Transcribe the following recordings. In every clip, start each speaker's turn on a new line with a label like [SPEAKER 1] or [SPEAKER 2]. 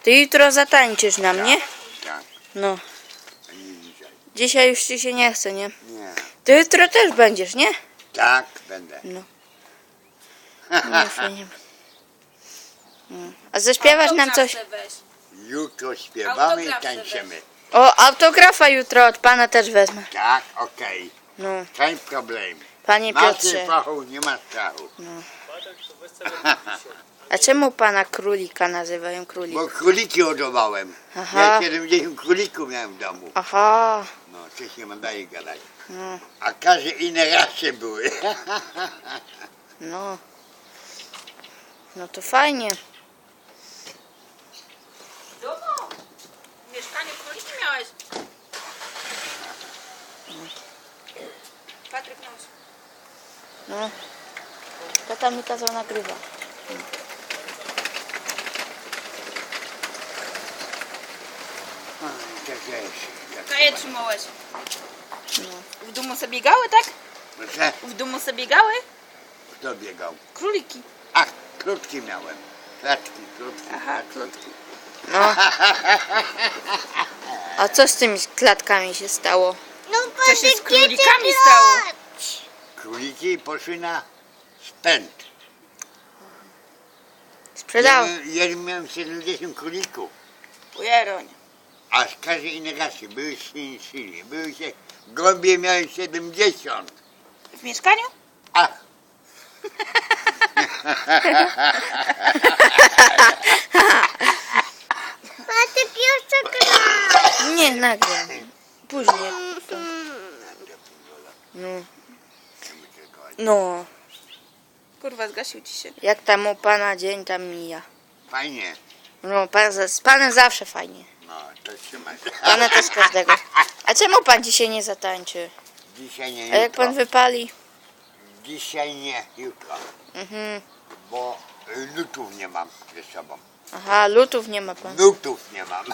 [SPEAKER 1] Ty jutro zatańczysz nam, nie?
[SPEAKER 2] Tak,
[SPEAKER 1] No.
[SPEAKER 2] a nie dzisiaj.
[SPEAKER 1] Dzisiaj już ci się nie chce, nie?
[SPEAKER 2] Nie.
[SPEAKER 1] Ty jutro też będziesz, nie?
[SPEAKER 2] Tak, będę.
[SPEAKER 1] No. Nie, fajnie. No. A zaśpiewasz nam coś?
[SPEAKER 2] Jutro śpiewamy i
[SPEAKER 3] Autograf
[SPEAKER 2] tańczymy.
[SPEAKER 1] O, autografa jutro od pana też wezmę.
[SPEAKER 2] Tak, okej.
[SPEAKER 1] No,
[SPEAKER 2] Kein problem.
[SPEAKER 1] panie
[SPEAKER 2] Macie
[SPEAKER 1] Piotrze.
[SPEAKER 2] fachu, nie ma strachu.
[SPEAKER 1] A czemu pana królika nazywają królik?
[SPEAKER 2] Bo króliki hodowałem.
[SPEAKER 1] Aha.
[SPEAKER 2] Ja 70 królików miałem w domu.
[SPEAKER 1] Aha.
[SPEAKER 2] No, coś nie ma daje gadać.
[SPEAKER 1] No,
[SPEAKER 2] A każde inne rasy były.
[SPEAKER 1] no. No to fajnie.
[SPEAKER 3] W domu? W mieszkaniu króliki miałeś? Patryk nos.
[SPEAKER 1] No. Tata mi kazał nagrywać.
[SPEAKER 2] Tak jest.
[SPEAKER 3] Kaję trzymałeś.
[SPEAKER 1] No.
[SPEAKER 3] W domu sobie biegały, tak?
[SPEAKER 2] Proszę,
[SPEAKER 3] W domu sobie biegały?
[SPEAKER 2] kto biegał?
[SPEAKER 3] Króliki.
[SPEAKER 2] Ach, krótki miałem. Klatki, krótki.
[SPEAKER 3] Aha, krótki.
[SPEAKER 1] No. A co z tymi klatkami się stało?
[SPEAKER 3] Co się z królikami stało?
[SPEAKER 2] Króliki poszły na spęd.
[SPEAKER 1] Sprzedał.
[SPEAKER 2] Ja miałem 70 królików.
[SPEAKER 3] Ujeroń.
[SPEAKER 2] A z każdej innej rasy były silni. Były się, gołębie miałem 70.
[SPEAKER 3] W mieszkaniu?
[SPEAKER 2] Ach,
[SPEAKER 4] Matek jeszcze gra.
[SPEAKER 1] Nie, nagram. Później. No. No.
[SPEAKER 3] Kurwa, zgasił ci się.
[SPEAKER 1] Jak tam u pana dzień tam mija.
[SPEAKER 2] fajnie.
[SPEAKER 1] No, z panem zawsze fajnie.
[SPEAKER 2] No, to trzymaj.
[SPEAKER 1] Pana też każdego. A czemu pan dzisiaj nie zatańczy?
[SPEAKER 2] Dzisiaj nie,
[SPEAKER 1] A
[SPEAKER 2] jutro.
[SPEAKER 1] jak pan wypali?
[SPEAKER 2] Dzisiaj nie, jutro.
[SPEAKER 1] Mhm.
[SPEAKER 2] Bo lutów nie mam ze sobą.
[SPEAKER 1] Aha, lutów nie ma pan.
[SPEAKER 2] Nutów nie mam.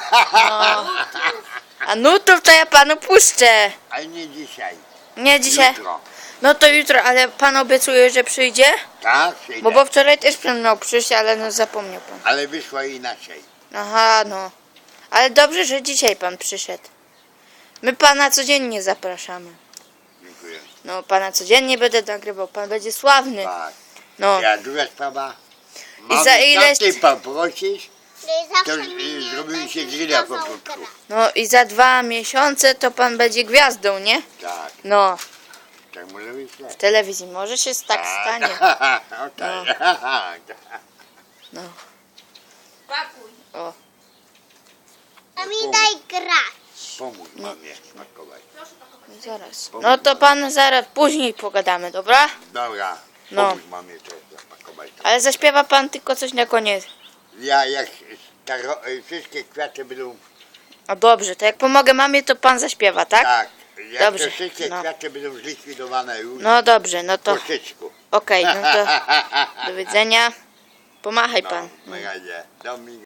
[SPEAKER 1] A nutów to ja panu puszczę.
[SPEAKER 2] Ale nie dzisiaj.
[SPEAKER 1] Nie dzisiaj.
[SPEAKER 2] Jutro.
[SPEAKER 1] No to jutro, ale pan obiecuje, że przyjdzie?
[SPEAKER 2] Tak, przyjdę.
[SPEAKER 1] Bo wczoraj też pan miał przyjść, ale no zapomniał pan.
[SPEAKER 2] Ale wyszło inaczej.
[SPEAKER 1] Aha, no. Ale dobrze, że dzisiaj pan przyszedł. My pana codziennie zapraszamy.
[SPEAKER 2] Dziękuję.
[SPEAKER 1] No, pana codziennie będę nagrywał, pan będzie sławny.
[SPEAKER 2] Tak.
[SPEAKER 1] No,
[SPEAKER 2] Ja druga sprawa.
[SPEAKER 1] I za ile-
[SPEAKER 2] ty poprosisz, to
[SPEAKER 4] Zawsze mi
[SPEAKER 2] zrobimy się grilla po krótku.
[SPEAKER 1] no i za 2 miesiące to pan będzie gwiazdą, nie?
[SPEAKER 2] Tak,
[SPEAKER 1] No,
[SPEAKER 2] tak może być.
[SPEAKER 1] w telewizji może się tak stanie.
[SPEAKER 2] O, tak.
[SPEAKER 1] No,
[SPEAKER 3] Pakuj.
[SPEAKER 1] o.
[SPEAKER 4] A mi daj grać.
[SPEAKER 2] Pomóż mamie smakować.
[SPEAKER 1] Zaraz. No to pan zaraz później pogadamy, dobra?
[SPEAKER 2] Dobra,
[SPEAKER 1] No.
[SPEAKER 2] pomóż mamie to zapakować.
[SPEAKER 1] Ale zaśpiewa pan tylko coś na koniec.
[SPEAKER 2] Ja jak wszystkie kwiaty będą
[SPEAKER 1] A dobrze, to jak pomogę mamie, to pan zaśpiewa, tak?
[SPEAKER 2] tak, jak
[SPEAKER 1] Dobrze,
[SPEAKER 2] te wszystkie
[SPEAKER 1] no.
[SPEAKER 2] kwiaty będą zlikwidowane już
[SPEAKER 1] No dobrze, no to
[SPEAKER 2] po szyczku.
[SPEAKER 1] okej, no to do widzenia. Pomachaj
[SPEAKER 2] No,
[SPEAKER 1] pan.
[SPEAKER 2] na razie. Do mi-